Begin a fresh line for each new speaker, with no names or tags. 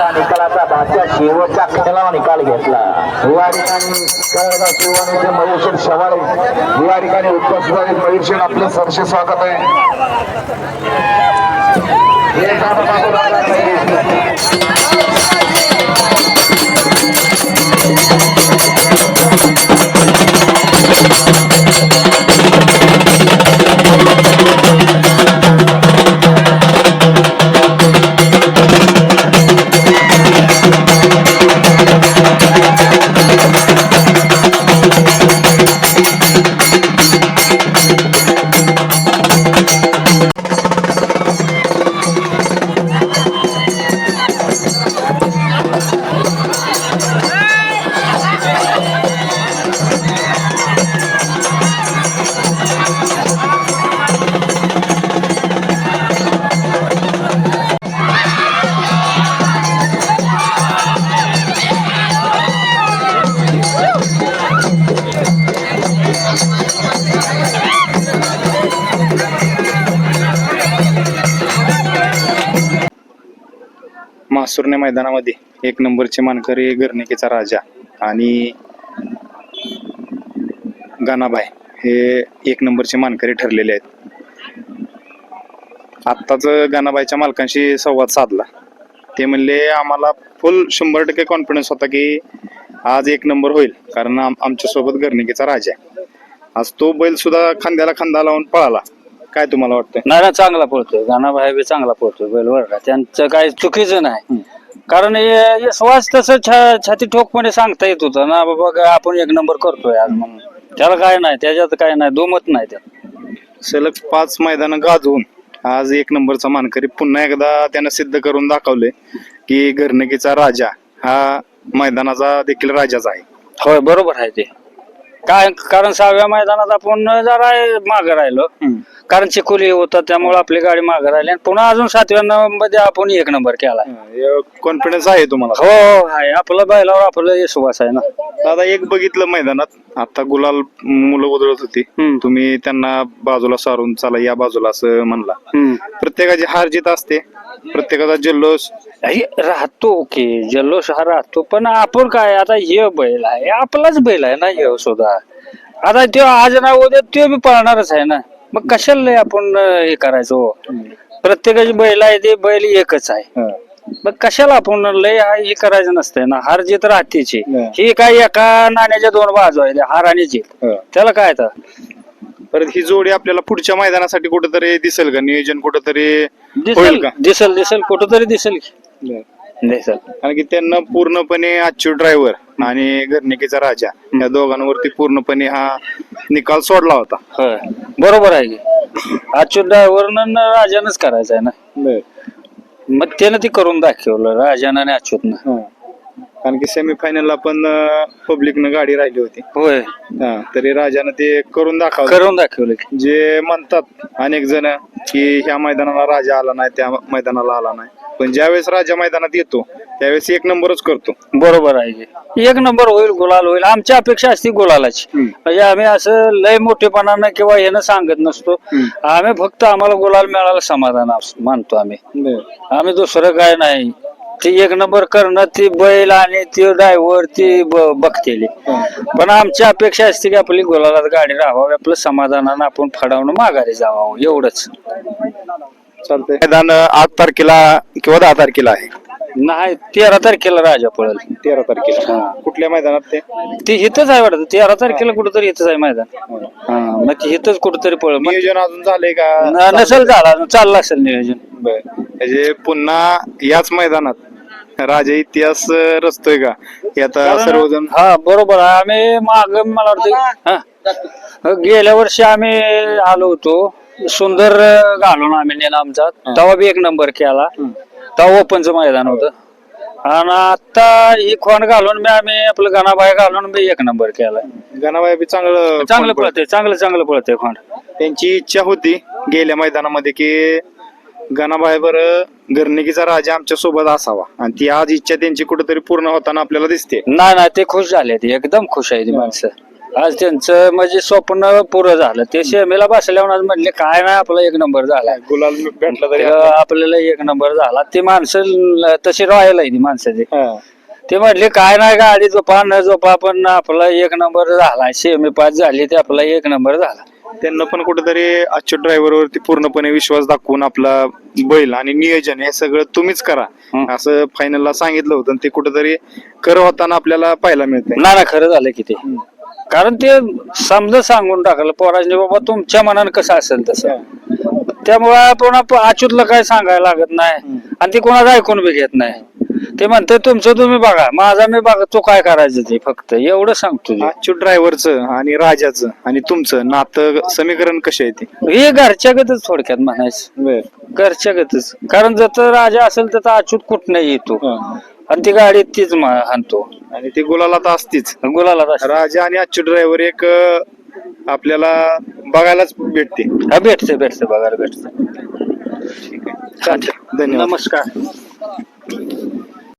आता निकालाचा बादशाह शेवटच्या खेळाला निकाल घेतला. या ठिकाणी कळगाव शिववाणीचे मयूरशेठ शवाळे या ठिकाणी उपस्थित आहेत. मयूरशेठ आपलं सहर्ष स्वागत आहे.
मासुर्णे मैदानामध्ये एक नंबरचे मानकरी गर्णिकेचा राजा आणि गानाबाई हे एक नंबरचे मानकरी ठरलेले आहेत. आत्ताच गानाबाईच्या मालकांशी संवाद साधला. ते म्हणले आम्हाला फुल 100% कॉन्फिडन्स होता की आज एक नंबर होईल, कारण आमच्या सोबत गर्णिकेचा राजा आहे. आज तो बैल सुद्धा खांद्याला खांदा लावून पळाला. काय तुम्हाला वाटतं?
नाही चांगला पळतोय गाणाबाई बी चांगला पळतोय बैल बरं का. त्यांचं काही चुकीचं नाही, कारण श्वास तसं छाती ठोकपणे सांगता येत होतं ना बाबा आपण एक नंबर करतोय आज म्हणून. त्याला काय नाही, त्याच्यात काय नाही, दुमत नाही त्यात.
सलग 5 मैदानं गाजवून आज एक नंबरचा मानकरी पुन्हा एकदा त्यानं सिद्ध करून दाखवले की गर्णिकेचा राजा हा मैदानाचा देखील राजाच आहे.
होय बरोबर आहे ते. काय कारण 6व्या मैदानात आपण जरा मागे राहिलो, कारण चिकोली होता त्यामुळे आपली गाडी मागे राहिली, आणि पुन्हा अजून 7व्या मध्ये आपण एक नंबर केला.
कॉन्फिडन्स आहे तुम्हाला?
हो आहे, आपलं बैलावर आपलं विश्वास आहे ना.
दादा एक बघितलं मैदानात आता गुलाल मुलं उधळत होती, तुम्ही त्यांना बाजूला सारून चला या बाजूला असं म्हणला. प्रत्येकाची हार जीत असते, प्रत्येकाचा जल्लोष
राहतो की जल्लोष हा राहतो, पण आपण काय आता हे बैल आहे आपलाच बैल आहे ना हे सुद्धा. आता तो आज ना उद्या तो बी पळणारच आहे ना, मग कशाला आपण हे करायचो. प्रत्येकाची बैल आहे ते बैल एकच आहे, मग कशाला आपण लय हे करायचं नसतंय ना. हार जीत राहतेची ही काय एका नाण्याच्या 2 बाजू आहे, हार आणि जीत. त्याला काय तर
परत ही जोडी आपल्याला पुढच्या मैदानासाठी कुठेतरी दिसेल का? नियोजन कुठेतरी
दिसेल दिसेल कुठंतरी दिसेल दिसेल.
कारण की त्यांना पूर्णपणे अच्युत ड्रायव्हर आणि गर्णिकेचा राजा या दोघांवरती पूर्णपणे हा निकाल सोडला होता.
होय बरोबर आहे की अच्युत ड्रायव्हरनं राजानच करायचं आहे ना, मग त्यानं ती करून दाखवलं राजानं आणि अच्युतनं.
कारण की सेमीफायनलला पण पब्लिकनं गाडी राहिली होती.
होय
तरी राजानं ते करून दाखवलं. जे म्हणतात अनेक जण की ह्या मैदानाला राजा आला नाही, त्या मैदानाला आला नाही, पण ज्यावेळेस राजा मैदानात येतो त्यावेळेस एक नंबरच करतो.
बरोबर आहे की एक नंबर होईल, गुलाल होईल. आमची अपेक्षा असते गुलालाची. म्हणजे आम्ही असं लय मोठेपणानं किंवा यानं सांगत नसतो. आम्ही फक्त आम्हाला गुलाल मिळाला समाधान मानतो आम्ही दुसरं काय नाही. ती एक नंबर करणं ती बैल आणि ती ड्रायव्हर ती बघतेली, पण आमची अपेक्षा असते की आपली गुलालात गाडी राहावी, आपलं समाधानानं आपण फडावून माघारी जावं, एवढंच.
चालतंय. मैदान 8 तारखेला किंवा 10 तारखेला आहे?
नाही 13 तारखेला राजा पळेल.
13 तारखेला कुठल्या मैदानात?
ते इथंच आहे वाटतं, 13 तारखेला कुठंतरी इथंच आहे मैदान. मग ते इथंच कुठंतरी पळेल.
नियोजन अजून झालंय का?
नसेल झाला, चाललं असेल नियोजन.
म्हणजे पुन्हा याच मैदानात राजा इतिहास रचतोय का हे आता सर्वजण?
हा बरोबर आहे. आम्ही माग मला वाटतं गेल्या वर्षी आम्ही आलो होतो, सुंदर घालून आम्ही नेला आमचा, तेव्हा बी एक नंबर केला. तेव्हा ओपनचं मैदान होतं, आणि आता ही खोंड घालून आम्ही आपलं गाणाबाई घालून बी एक नंबर केला.
गाणाबाई बी चांगलं
पळते, चांगलं पळते खोंड.
त्यांची इच्छा होती गेल्या मैदानामध्ये की गाणाबाई बरं गर्णिकेचा राजा आमच्या सोबत असावा, आणि ती आज इच्छा त्यांची कुठेतरी पूर्ण होताना आपल्याला दिसते.
नाही ते खुश झाले, ते एकदम खुश आहे ती माणसं. आज त्यांचं म्हणजे स्वप्न पुरं झालं. ते सेमीला बसल्यावर आज म्हणले काय नाही आपला 1 नंबर झाला.
गुलाल भेटला तरी
आपल्याला 1 नंबर झाला. ते माणसं तशी राहायला ती माणसाची. ते म्हटले काय नाही गाडी झोपा न झोपा पण आपला 1 नंबर झाला. सेमी पास झाली ते आपला 1 नंबर झाला.
त्यांना पण कुठेतरी आजच्या ड्रायव्हरवरती पूर्णपणे विश्वास दाखवून आपला बैल आणि नियोजन हे सगळं तुम्हीच करा असं फायनलला सांगितलं होतं. ते कुठेतरी कर होताना आपल्याला पाहायला मिळतंय.
ना खरं झालं की ते, कारण ते समजा सांगून टाकलं पोरांनी बाबा तुमच्या मनानं कसं असेल तसं. त्यामुळे आपण अच्युतला काय सांगायला लागत नाही आणि ते कोणाला ऐकून बी घेत नाही. ते म्हणते तुमचं तुम्ही बघा, माझा मी बघा, तो काय करायचं ते फक्त एवढं सांगतो.
अच्युत ड्रायव्हरचं आणि राजाचं आणि तुमचं नातं समीकरण कसे आहे ते?
हे घरच्यागतच थोडक्यात म्हणायचं, घरच्यागतच. कारण जर राजा असेल तर अच्युत कुठनही येतो आणि ती गाडी तीच आणतो
आणि ती गुलाला तर असतीच.
गुलाला
राजा आणि अच्युत ड्रायव्हर एक आपल्याला बघायलाच भेटते.
भेटते बघायला भेटते.
धन्यवाद.
नमस्कार.